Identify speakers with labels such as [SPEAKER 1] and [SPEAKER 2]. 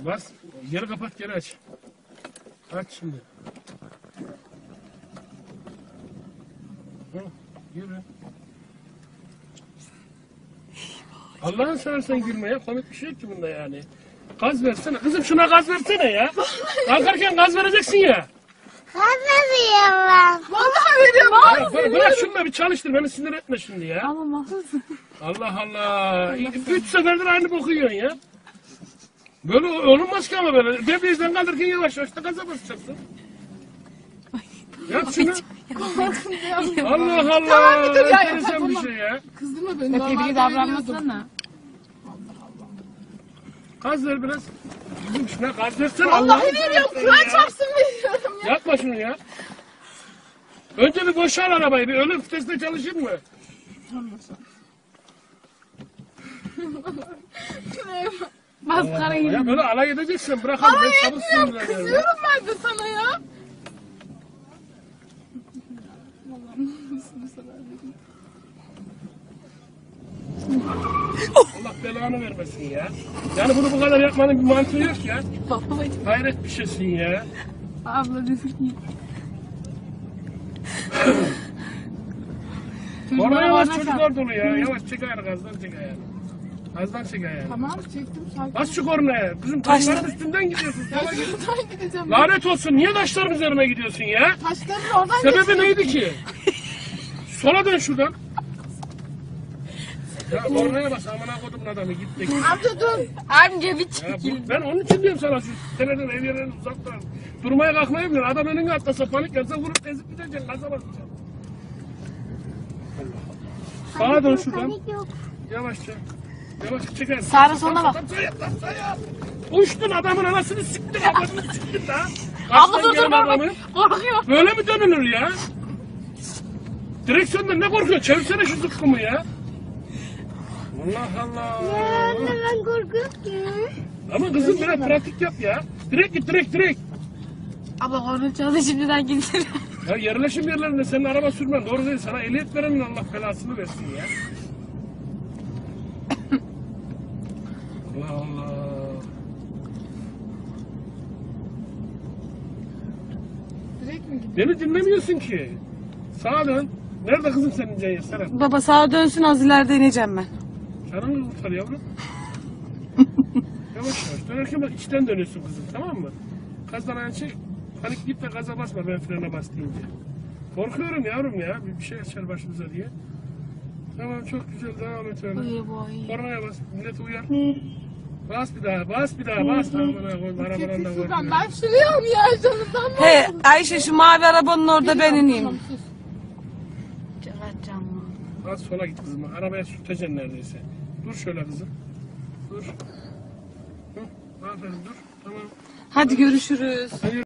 [SPEAKER 1] Bas. Geri kapat, geri aç. Aç şimdi. Hı, yürü. Allah'ın seversen gülme ya. Komik bir şey yok ki bunda yani. Gaz versene. Kızım şuna gaz versene ya. Kalkarken gaz vereceksin ya.
[SPEAKER 2] Gaz veriyorum ben.
[SPEAKER 3] Vallahi veriyorum.
[SPEAKER 1] Ya, bırak şunu da bir çalıştır. Beni sinir etme şimdi ya.
[SPEAKER 3] Ama mahsus.
[SPEAKER 1] Allah Allah. 3 seferdir aynı boku yiyorsun ya. Böyle olunmaz ki ama böyle. Debriyajdan kaldırırken yavaş yavaş da gaza basacaksın. Yap şunu. Allah Allah.
[SPEAKER 3] Tamam, bir dur ya,
[SPEAKER 1] Enteresan
[SPEAKER 3] yapma,
[SPEAKER 1] bir
[SPEAKER 3] tamam.
[SPEAKER 1] şey ya.
[SPEAKER 3] Kızdırma beni.
[SPEAKER 4] Tebrik davranmasana.
[SPEAKER 1] Gaz ver biraz. Kızım şuna gaz versene.
[SPEAKER 3] Vallahi
[SPEAKER 1] Allah'ını
[SPEAKER 3] veriyorum.
[SPEAKER 1] seversen
[SPEAKER 3] Kur'an
[SPEAKER 1] ya.
[SPEAKER 3] çarpsın veriyorum ya.
[SPEAKER 1] Yapma şunu ya. Önce bir boşal arabayı. Bir ölüm vitesinde çalışır mı?
[SPEAKER 4] Maskara gibi.
[SPEAKER 1] Ya böyle alay edeceksin. Bırakalım. Ben çabuk sinirleniyorum. ya.
[SPEAKER 3] Kızıyorum ben de sana ya.
[SPEAKER 1] Allah belanı vermesin ya. Yani bunu bu kadar yapmanın bir mantığı yok ya.
[SPEAKER 4] Babacım.
[SPEAKER 1] Hayret bir şeysin ya.
[SPEAKER 4] Abla üzülmeyin.
[SPEAKER 1] Orada yavaş çocuklar dolu ya. Yavaş çek ayağını, gazdan çek ayağını. Gazdan çek ayağını.
[SPEAKER 3] Tamam çektim sakin.
[SPEAKER 1] Bas şu kornaya. Kızım taşların üstünden gidiyorsun. Sola git.
[SPEAKER 3] Şuradan gideceğim.
[SPEAKER 1] Lanet olsun. Niye taşların üzerine gidiyorsun ya?
[SPEAKER 3] Taşların oradan
[SPEAKER 1] Sebebi neydi ki? Sola dön şuradan. Ya kornaya bas. Amına kodumun adamı. Git de.
[SPEAKER 3] Amca dur.
[SPEAKER 4] Amca bir
[SPEAKER 1] Ya ben onun için diyorum sana şu seneden ev yerlerini uzak duralım. Durmaya kalkmayı biliyor. Adam önüne atlasa panik yapsa vurup ezip gideceksin. Gaza basacaksın. Sağa dön şuradan.
[SPEAKER 2] Panik yok.
[SPEAKER 1] Yavaşça. Yavaşça çeker.
[SPEAKER 4] Sağa sola bak.
[SPEAKER 1] Sağa. Uçtun adamın anasını siktin. Adamını siktin la.
[SPEAKER 4] Abla dur
[SPEAKER 1] Kaçtan
[SPEAKER 4] dur
[SPEAKER 1] gelen
[SPEAKER 4] bak.
[SPEAKER 1] adamı.
[SPEAKER 4] Korkuyor.
[SPEAKER 1] Böyle mi dönülür ya? Direksiyondan ne korkuyor? Çevirsene şu zıkkımı ya. Allah Allah.
[SPEAKER 2] Ya anne ben korkuyorum ki.
[SPEAKER 1] Ama kızım biraz pratik yap ya. Direkt git direkt.
[SPEAKER 4] Abla konuşacağız şimdiden gitsin.
[SPEAKER 1] Ya yerleşim yerlerinde senin araba sürmen doğru değil. Sana ehliyet verenin Allah belasını versin ya. Allah Allah.
[SPEAKER 3] Direkt mi gidiyor?
[SPEAKER 1] Beni dinlemiyorsun ki. Sağa dön. Nerede kızım senin Ceyhan? Serap.
[SPEAKER 4] Baba sağa dönsün az ileride ineceğim ben.
[SPEAKER 1] Canını kurtar yavrum. Yavaş yavaş. Dönerken bak içten dönüyorsun kızım, tamam mı? Gazdan ayağını çek. Panik git de gaza basma ben frene bas deyince. Korkuyorum yavrum ya. Bir şey açar başımıza diye. Tamam çok güzel devam et öyle.
[SPEAKER 4] Uyu boy.
[SPEAKER 1] Kornaya bas. Millet uyar. Bas bir daha. Bas. Amına koyma. Arabadan da
[SPEAKER 3] Şuradan
[SPEAKER 1] korkuyorum.
[SPEAKER 3] ben şuraya ya canımdan mı?
[SPEAKER 4] He Ayşe şu mavi arabanın orada ben ineyim.
[SPEAKER 3] Tamam, sus.
[SPEAKER 4] Cevat canlı.
[SPEAKER 1] Az sola git kızım. Arabaya sürteceksin neredeyse. Dur şöyle kızım. Dur. Hı, aferin dur. Tamam.
[SPEAKER 4] Hadi görüşürüz.